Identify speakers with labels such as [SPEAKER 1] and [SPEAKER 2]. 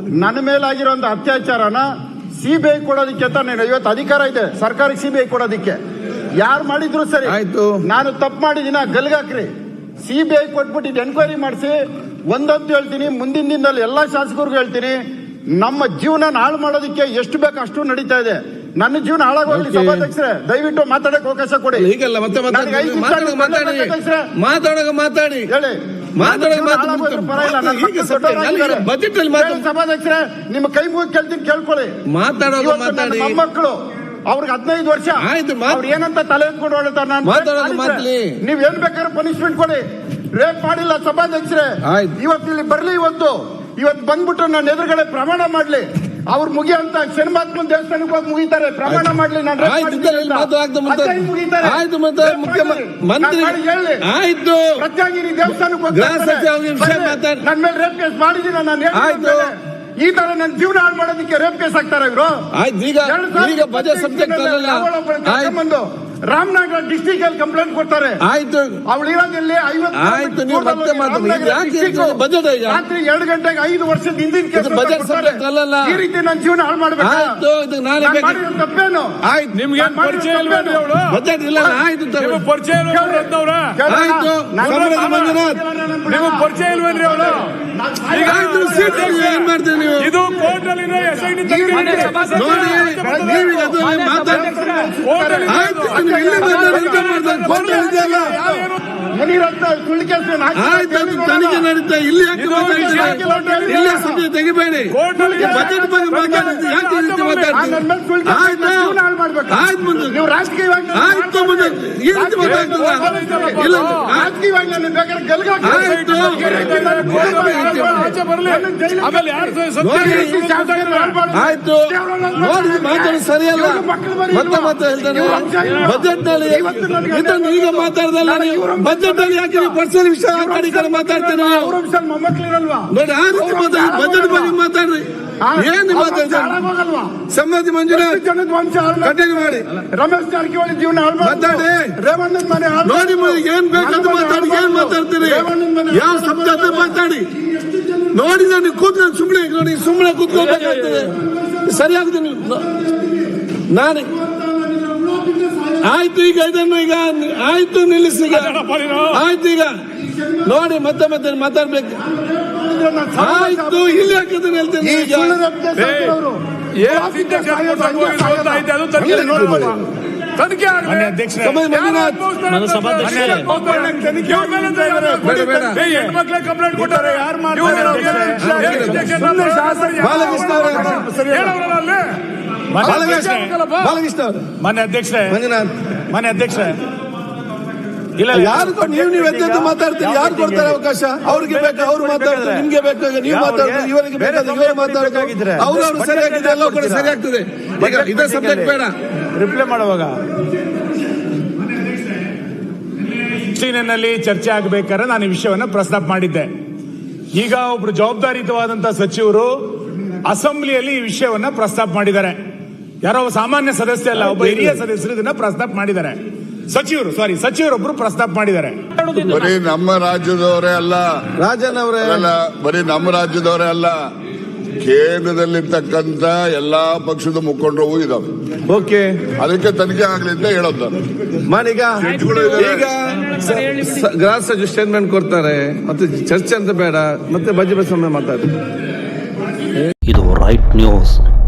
[SPEAKER 1] ನನ್ನ ಮೇಲಾಗಿರುವಂತ ಅತ್ಯಾಚಾರನ ಸಿಬಿಐ ಕೊಡೋದಕ್ಕೆ ಅಂತ ನಾನು ಇವತ್ತು ಅಧಿಕಾರ ಇದೆ ಸರ್ಕಾರಕ್ಕೆ ಸಿಬಿಐ ಕೊಡೋದಕ್ಕೆ. ಯಾರು ಮಾಡಿದ್ರು ಸರಿ, ನಾನು ತಪ್ಪು ಮಾಡಿದಿನ ಗಲ್ಗಾಕ್ರಿ, ಸಿಬಿಐ ಕೊಟ್ಬಿಟ್ಟು ಎನ್ಕ್ವೈರಿ ಮಾಡಿಸಿ. ಒಂದಂತೂ ಹೇಳ್ತೀನಿ, ಮುಂದಿನ ದಿನದಲ್ಲಿ ಎಲ್ಲಾ ಶಾಸಕರಿಗೂ ಹೇಳ್ತೀನಿ, ನಮ್ಮ ಜೀವನ ಹಾಳು ಮಾಡೋದಕ್ಕೆ ಎಷ್ಟು ಬೇಕು ಅಷ್ಟು ನಡೀತಾ ಇದೆ. ನನ್ನ ಜೀವನ ಹಾಳಾಗೋಗ್ಲಿ ಸಭಾಧ್ಯಕ್ಷರೇ, ದಯವಿಟ್ಟು ಮಾತಾಡಕ್ಕೆ ಅವಕಾಶ ಕೊಡಿ.
[SPEAKER 2] ಈಗಲ್ಲ ಮತ್ತೆ ಮಾತಾಡಿ ಹೇಳಿ
[SPEAKER 1] ಸಭಾಧ್ಯಕ್ಷರೇ, ನಿಮ್ಮ ಕೈ ಮುಗಿ ಕೇಳ್ತೀನಿ, ಕೇಳ್ಕೊಳ್ಳಿ. ಮೊಮ್ಮಕ್ಕಳು ಅವ್ರಿಗೆ 15 ವರ್ಷ, ಅವ್ರು ಏನಂತ ತಲೆ ಎತ್ಕೊಂಡು ಹೊಡ್ತಾರೆ. ನೀವ್ ಏನ್ ಬೇಕಾದ್ರೆ ಪನಿಷ್ಮೆಂಟ್ ಕೊಡಿ. ರೇಪ್ ಮಾಡಿಲ್ಲ ಸಭಾಧ್ಯಕ್ಷರೇ, ಇವತ್ತು ಇಲ್ಲಿ ಬರ್ಲಿ, ಇವತ್ತು ಬಂದ್ಬಿಟ್ಟು ನನ್ನ ಎದುರುಗಡೆ ಪ್ರಮಾಣ ಮಾಡ್ಲಿ. ಅವ್ರು ಮುಗಿಯಂತ ಶನಿಮಾತ್ಮನ್ ದೇವಸ್ಥಾನಕ್ಕೆ ಹೋಗಿ ಮುಗಿತಾರೆ, ಪ್ರಮಾಣ ಮಾಡ್ಲಿ. ನಾನು ಪ್ರತ್ಯಾಗಿರಿ ದೇವಸ್ಥಾನಕ್ಕೆ ಹೋಗಿ ನನ್ನ ಮೇಲೆ ರೇಪ್ ಕೇಸ್ ಮಾಡಿದೀನಿ. ನಾನು ಈ ತರ ನನ್ನ ಜೀವನ ಹಾಳು ಮಾಡೋದಕ್ಕೆ ರೇಪ್ ಕೇಸ್ ಹಾಕ್ತಾರೆ ಇವರು. ರಾಮನಗರ ಡಿಸ್ಟಿಕ್ ಅಲ್ಲಿ ಕಂಪ್ಲೇಂಟ್ ಕೊಡ್ತಾರೆ. ಆಯ್ತು, ಅವಳು ಇರೋದಿಲ್ಲಿ 50 ರಾತ್ರಿ 2 ಗಂಟೆಗೆ 5 ವರ್ಷದ ಹಿಂದಿನ ಕೇಸ್. ಈ ರೀತಿ ನನ್ನ ಜೀವನ ಹಾಳು ಮಾಡ್ಬೇಕು. ತಪ್ಪೇನು?
[SPEAKER 3] ನಿಮ್ಗೆ ಪರಿಚಯ ಬಜೆಟ್ ಇಲ್ಲ, ಪರಿಚಯ ಪರಿಚಯ ಇಲ್ವೇನ್ರಿ ಅವಳು?
[SPEAKER 2] ಏನ್ ಮಾಡ್ತೀವಿ ನೀವು?
[SPEAKER 3] ಇದು ಕೋರ್ಟ್ ಅಲ್ಲಿ
[SPEAKER 2] ತನಿಖೆ ನಡೀತಾ, ಇಲ್ಲಿ ತೆಗಿಬೇಡಿ. ಬಜೆಟ್ ಬಗ್ಗೆ ಮಾತಾಡ್ತೀವಿ, ಯಾಕೆ ಆಯ್ತು ಮುಂದೆ ಈ ರೀತಿ ಮಾತಾಡ್ತದ? ಇಲ್ಲ ಆಯ್ತು ನೋಡಿ, ಮಾತಾಡಿ ಸರಿಯಲ್ಲ. ಮತ್ತೆ ಹೇಳ್ತಾನೆ ಬಜೆಟ್ ನಲ್ಲಿ ಇದನ್ನು ಈಗ ಮಾತಾಡ್ದಲ್ಲ ನೀವು. ಬಜೆಟ್ ಅಲ್ಲಿ ಯಾಕೆ ಪರ್ಸನಲ್ ವಿಷಯ ಮಾತಾಡ್ತೇನೆ ನೋಡಿ. ಆ ರೀತಿ ಮಾತಾಡಿ, ಬಜೆಟ್ ಬಗ್ಗೆ ಮಾತಾಡ್ರಿ. ಏನು ಮಾತಾಡ್ತಾರೆ? ಸಮ್ಮತಿ ಮಂಜುನಾಥ್ ಕಂಟಿನ್ಯೂ ಮಾಡಿ.
[SPEAKER 1] ರಮೇಶ್ ಜಾರಕಿಹೊಳಿ ಜೀವನ
[SPEAKER 2] ಮಾತಾಡಿ.
[SPEAKER 1] ರೇವಣ್ಣನ ಮನೆ
[SPEAKER 2] ನೋಡಿ, ಏನ್ ಬೇಕಂತ ಮಾತಾಡಿ. ಏನ್ ಮಾತಾಡ್ತೀರಿ? ಯಾವ ಶಬ್ದ ಮಾತಾಡಿ ನೋಡಿ. ನಾನು ಕೂತ್ಕೊಂಡು ಸುಮ್ಮನೆ ಕೂತ್ಕೊಳ್ಬೇಕಾಗ್ತದೆ. ಸರಿಯಾಗ್ತದೆ ನಾನು. ಆಯ್ತು, ಈಗ ಇದನ್ನು ಈಗ ಆಯ್ತು, ನಿಲ್ಲಿಸಿ. ಆಯ್ತು, ಈಗ ನೋಡಿ, ಮತ್ತೆ ಮಾತಾಡ್ಬೇಕು. ಆಯ್ತು, ಇಲ್ಲಿ ಹಾಕಿದ್ರೆ ಹೇಳ್ತೇನೆ.
[SPEAKER 3] ತನಿಖೆ ಹೆಣ್ಮಕ್ಳೆ ಕಂಪ್ಲೇಂಟ್ ಕೊಟ್ಟಾರೆ. ಯಾರು ಮನೆ ಅಧ್ಯಕ್ಷರೇ
[SPEAKER 2] ಇಲ್ಲ, ಯಾರು ನೀವು ಎದ್ದು ಮಾತಾಡ್ತೀರಿ? ಯಾರು ಕೊಡ್ತಾರೆ ಅವಕಾಶ? ಅವ್ರಿಗೆ ಬೇಕು ಅವ್ರು ಮಾತಾಡ್ತಾರೆ, ನಿಮ್ಗೆ ಬೇಕಾಗ ನೀವು ಮಾತಾಡ್ತೀರಿ, ಇವರಿಗೆ ಬೇಕಾದ ಇವರು ಮಾತಾಡ್ತಾರೆ. ಅವ್ರವ್ರು ಸರಿಯಾಗಿದೆ, ಎಲ್ಲ ಕೂಡ ಸರಿಯಾಗ್ತದೆ. ಈಗ ಇದೇ ಸಬ್ಜೆಕ್ಟ್ ಬೇಡ
[SPEAKER 3] ರಿಪ್ಲೈ ಮಾಡುವಾಗ ನಲ್ಲಿ ಚರ್ಚೆ ಆಗಬೇಕಾದ್ರೆ ನಾನು ಈ ವಿಷಯವನ್ನ ಪ್ರಸ್ತಾಪ ಮಾಡಿದ್ದೆ. ಈಗ ಒಬ್ರು ಜವಾಬ್ದಾರಿಯುತವಾದಂತಹ ಸಚಿವರು ಅಸೆಂಬ್ಲಿಯಲ್ಲಿ ಈ ವಿಷಯವನ್ನ ಪ್ರಸ್ತಾಪ ಮಾಡಿದ್ದಾರೆ. ಯಾರೋ ಸಾಮಾನ್ಯ ಸದಸ್ಯ ಅಲ್ಲ, ಒಬ್ಬ ಹಿರಿಯ ಸದಸ್ಯರು ಇದನ್ನ ಪ್ರಸ್ತಾಪ ಮಾಡಿದ್ದಾರೆ. ಸಚಿವರೊಬ್ರು ಪ್ರಸ್ತಾಪ ಮಾಡಿದ್ದಾರೆ.
[SPEAKER 4] ಬರೀ ನಮ್ಮ ರಾಜ್ಯದವರೇ ಅಲ್ಲ, ಬರೀ ನಮ್ಮ ರಾಜ್ಯದವರೇ ಅಲ್ಲ, ಕೇಂದ್ರದಲ್ಲಿರ್ತಕ್ಕಂಥ ಎಲ್ಲಾ ಪಕ್ಷದ ಮುಖಂಡರು ಇದಾವೆ.
[SPEAKER 2] ಓಕೆ,
[SPEAKER 4] ಅದಕ್ಕೆ ತನಿಖೆ ಆಗ್ಲಿ ಅಂತ ಹೇಳೋದು.
[SPEAKER 2] ಈಗ ಗೃಹ ಸಚಿವ ಸ್ಟೇಟ್ಮೆಂಟ್ ಕೊಡ್ತಾರೆ, ಮತ್ತೆ ಚರ್ಚೆ ಅಂತ ಬೇಡ, ಮತ್ತೆ ಬಜೆಟ್ ಸಮಯ ಮಾತಾಡ್ತಾರೆ.
[SPEAKER 5] ಇದು ರೈಟ್ ನ್ಯೂಸ್.